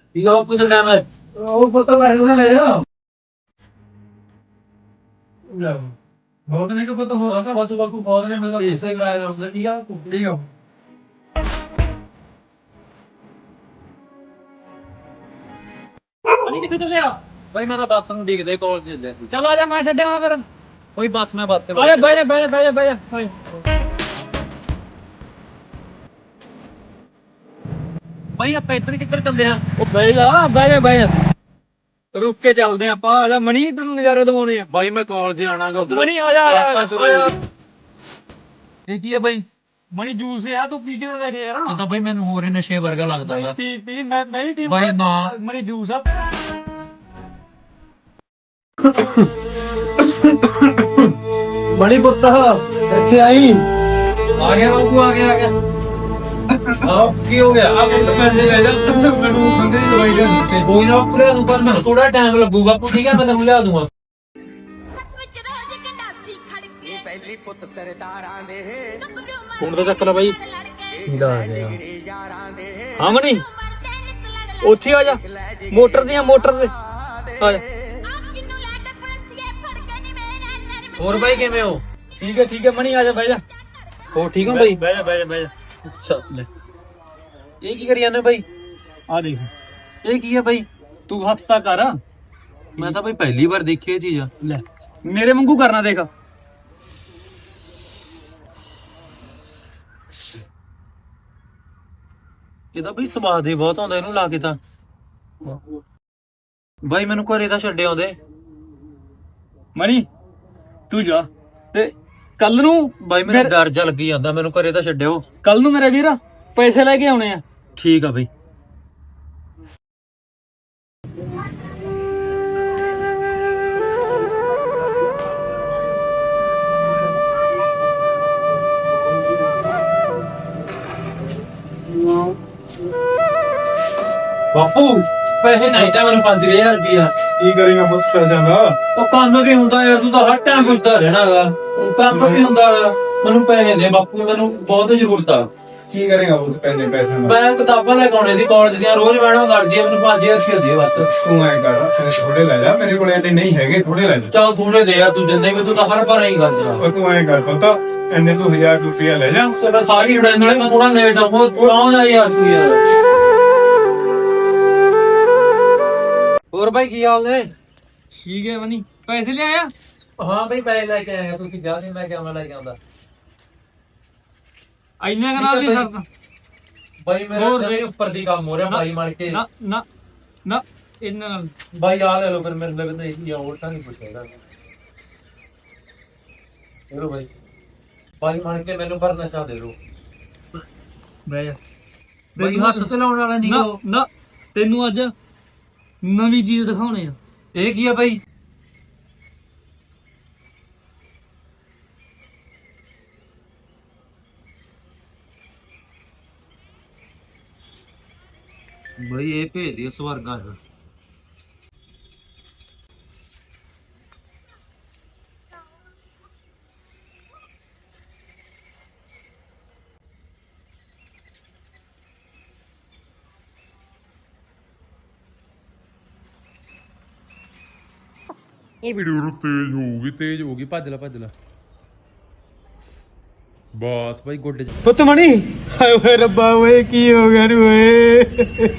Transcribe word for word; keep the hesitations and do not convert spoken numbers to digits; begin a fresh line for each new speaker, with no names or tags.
ਠੀਕ ਆ ਬਾਪੂ ਦਾ ਟਾਈਮ ਹੈ ਉਹ ਪੁੱਤ ਪੈਸੇ ਉਹਨੇ ਲੈ ਜਾ ਬਹੁਤ ਨਹੀਂ ਕਿ ਪੁੱਤ ਹੋ ਰਹਾ ਬਸ ਬਾਪੂ ਬਹੁਤ ਨੇ ਮੈਨੂੰ ਰਿਸ਼ਤੇ ਕਰਾਇਆ ਹੁੰਦਾ ਠੀਕ ਆ ਠੀਕ ਆ ਅਨੀ ਕਿੱਥੇ ਚੱਲੇ ਆ ਭਾਈ ਮੈਂ ਤਾਂ ਬੱਸ ਨੂੰ ਡੀਕਦੇ ਕਾਲ ਦੇ ਚਲੋ ਆ ਜਾ ਮੈਂ ਛੱਡਿਆ ਫਿਰ ਕੋਈ ਬੱਸ ਮੈਂ ਬੱਸ ਤੇ ਬਹਿ ਜਾ ਬਹਿ ਜਾ ਬਹਿ ਜਾ ਬਹਿ ਜਾ ਭਾਈ ਆਪਾਂ ਇੱਧਰ ਕਿੱਧਰ ਚੱਲਦੇ ਆ ਉਹ ਬਹਿ ਜਾ ਬਹਿ ਜਾ ਬਹਿ ਜਾ ਰੁਕ ਕੇ ਚੱਲਦੇ ਆਪਾਂ ਆ ਜਾ ਮਣੀ ਤੈਨੂੰ ਨਜ਼ਾਰੇ ਦਿਵਾਉਣੇ ਆ ਬਾਈ ਮੈਂ ਕਾਲਜ ਆਣਾਗਾ ਉਧਰ ਮਣੀ ਆ ਜਾ ਇਹ ਕੀ ਹੈ ਬਾਈ ਮਣੀ ਜੂਸ ਆ ਤੂੰ ਪੀ ਕੇ ਲੈ ਕੇ ਯਾਰ ਤਾਂ ਬਾਈ ਮੈਨੂੰ ਹੋਰ ਨਸ਼ੇ ਵਰਗਾ ਲੱਗਦਾ ਹੈ ਪੀ ਪੀ ਮੈਂ ਮੈਂ ਵੀ ਬਾਈ ਨਾ ਮਣੀ ਜੂਸ ਆ ਮਣੀ ਪੁੱਤ ਇੱਥੇ ਆਈ ਆ ਗਿਆ ਬਾਬੂ ਆ ਗਿਆ ਆ ਗਿਆ ਆਹ ਕੀ ਹੋ ਗਿਆ ਆਪ ਤਾਂ ਪੈਸੇ ਲੈ ਜਾ ਮੈਨੂੰ ਸੰਦੇ ਦੀ ਦਵਾਈ ਦੇ ਦਿੱਤੇ ਕੋਈ ਨਾ ਪੂਰਾ ਨੂੰ ਪਰ ਮੈਨੂੰ ਥੋੜਾ ਟਾਈਮ ਲੱਗੂਗਾ ਬਾਪੂ ਠੀਕ ਹੈ ਮੈਂ ਤੈਨੂੰ ਲਿਆ ਦੂੰਗਾ
ਪਹਿਲੀ ਪੁੱਤ ਸਰਦਾਰਾਂ ਦੇ
ਫੋਨ ਦਾ ਚੱਕ ਲੈ ਬਾਈ ਇਹਦਾ ਆ ਗਿਆ ਹਾਂ ਮਣੀ ਉੱਥੇ ਆ ਜਾ ਮੋਟਰ ਦੀਆਂ ਮੋਟਰ ਦੇ ਆ ਜਾ ਹੋਰ ਬਾਈ ਕਿਵੇਂ ਹੋ ਠੀਕ ਹੈ ਠੀਕ ਹੈ ਮਣੀ ਆ ਜਾ ਬਹਿ ਜਾ ਹੋ ਠੀਕ ਹੋ ਬਾਈ ਬਹਿ ਜਾ ਬਹਿ ਜਾ ਬਹਿ ਜਾ ਅੱਛਾ ਲੈ ਇਹ ਕੀ ਕਰੀ ਜਾਂਦੇ ਬਾਈ ਆ ਦੇਖ ਇਹ ਕੀ ਹੈ ਬਾਈ ਤੂੰ ਹੱਥ ਕਰ ਮੈਂ ਤਾਂ ਬਾਈ ਪਹਿਲੀ ਵਾਰ ਦੇਖੀ ਇਹ ਚੀਜ਼ ਲੈ ਮੇਰੇ ਵਾਂਗੂ ਕਰਨਾ ਦੇਖ ਇਹਦਾ ਬਈ ਸਵਾਦ ਹੀ ਬਹੁਤ ਆਉਂਦਾ ਇਹਨੂੰ ਲਾ ਕੇ ਤਾਂ ਬਾਈ ਮੈਨੂੰ ਘਰੇ ਤਾਂ ਛੱਡੇ ਆਉਂਦੇ ਮਣੀ ਤੂੰ ਜਾ ਤੇ ਕੱਲ ਨੂੰ ਬਾਈ ਮੈਨੂੰ ਡਰ ਜਾ ਲੱਗੀ ਜਾਂਦਾ ਮੈਨੂੰ ਘਰੇ ਤਾਂ ਛੱਡਿਓ ਕੱਲ ਨੂੰ ਮੇਰੇ ਵੀਰ ਪੈਸੇ ਲੈ ਕੇ ਆਉਣੇ ਆ ਠੀਕ ਆ ਬਈ ਬਾਪੂ ਪੈਸੇ ਨਹੀਂ ਤਾਂ ਮੈਨੂੰ ਪੰਜ ਹਜ਼ਾਰ ਰੁਪਇਆ
ਕੀ ਕਰੇਗਾ ਬਸ ਪੈਸਿਆਂ ਦਾ
ਉਹ ਕੰਮ ਵੀ ਹੁੰਦਾ ਯਾਰ ਤੂੰ ਤਾਂ ਹਰ ਟਾਈਮ ਪੁੱਛਦਾ ਰਹਿਣਾ ਗਾ ਕੰਮ ਵੀ ਹੁੰਦਾ ਗਾ ਮੈਨੂੰ ਪੈਸੇ ਦੇ ਬਾਪੂ ਮੈਨੂੰ ਬਹੁਤ ਜ਼ਰੂਰਤ ਆ
ਕੀ ਕਰੇਗਾ ਉਸ ਪੈਸੇ ਪੈਸਿਆਂ ਦਾ
ਮੈਂ ਕਿਤਾਬਾਂ ਲੈ ਕੇ ਆਉਣੇ ਸੀ ਕਾਲਜ ਦੀਆਂ ਰੋਜ਼ ਮੈਡਮ ਲੜਦੀ ਆ ਮੈਨੂੰ ਪੰਜ ਹਜ਼ਾਰ ਰੁਪਇਆ ਦੇ ਬਸ
ਤੂੰ ਐ ਕਰ ਫਿਰ ਥੋੜੇ ਲੈ ਜਾ ਮੇਰੇ ਕੋਲ ਐਨੇ ਨਹੀਂ ਹੈਗੇ ਥੋੜੇ ਲੈ ਜਾ
ਚੱਲ ਥੋੜੇ ਦੇ ਯਾਰ ਤੂੰ ਦਿੰਦੇ ਵੀ ਤੂੰ ਤਾਂ ਹਰ ਵਾਰ ਹੀ ਕਰਦਾ
ਉਹ ਤੂੰ ਐ ਕਰ ਪਤਾ ਐਨੇ ਤੂੰ ਹਜ਼ਾਰ ਰੁਪਇਆ ਲੈ ਜਾ
ਤੇ ਮੈਂ ਸਾਰੀ ਉਡਾਈ ਨਾਲੇ ਮੈਂ ਥੋੜਾ ਲੇਟ ਆਉਂ ਪਹੁੰਚ ਜਾ ਯਾਰ ਤੂੰ ਯਾਰ ਹੋਰ ਬਾਈ ਕੀ ਹਾਲ ਨੇ ਠੀਕ ਹੈ ਮਨੀ ਪੈਸੇ ਲੈ ਆਇਆ ਹਾਂ ਬਾਈ ਪੈਸੇ ਲੈ ਕੇ ਆਇਆ ਤੁਸੀਂ ਜਾ ਨਹੀਂ ਮੈਂ ਕਿਵੇਂ ਲੈ ਕੇ ਆਉਂਦਾ ਇੰਨੇ ਕਨਾਲ ਨਹੀਂ ਸਰਦਾ ਬਾਈ ਮੇਰੇ ਉੱਪਰ ਦੀ ਕੰਮ ਹੋ ਰਿਹਾ ਬਾਈ ਮਾਰ ਕੇ ਨਾ ਨਾ ਨਾ ਇੰਨਾ ਨਾਲ ਬਾਈ ਆ ਲੈ ਲੋ ਫਿਰ ਮੇਰੇ ਲਈ ਤਾਂ ਇਹ ਹੋਰ ਤਾਂ ਨਹੀਂ ਪੁੱਛੇਗਾ ਚਲੋ ਬਾਈ ਬਾਈ ਮਾਰ ਕੇ ਮੈਨੂੰ ਭਰਨਾ ਚਾਹ ਦੇ ਲੋ ਬਹਿ ਜਾ ਬਾਈ ਹੱਥ ਚਲਾਉਣ ਵਾਲਾ ਨਹੀਂ ਨਾ ਨਾ ਤੈਨੂੰ ਅੱਜ ਨਵੀਂ ਚੀਜ਼ ਦਿਖਾਉਣੇ ਆ ਇਹ ਕੀ ਆ ਬਾਈ ਬਈ ਇਹ ਭੇਜ ਦਿਓ ਸਵਰਗਾਂ ਚ
ਉਹ ਵੀਡੀਓ ਨੂੰ ਤੇਜ਼ ਹੋਊਗੀ ਤੇਜ਼ ਹੋਊਗੀ ਭੱਜ ਲੈ ਭੱਜ ਲੈ ਬਸ ਭਾਈ ਗੋਡੇ ਚ
ਪੁੱਤ ਮਣੀ ਹਾਏ ਓਏ ਰੱਬਾ ਓਏ ਕੀ ਹੋ ਗਿਆ ਨੀ ਓਏ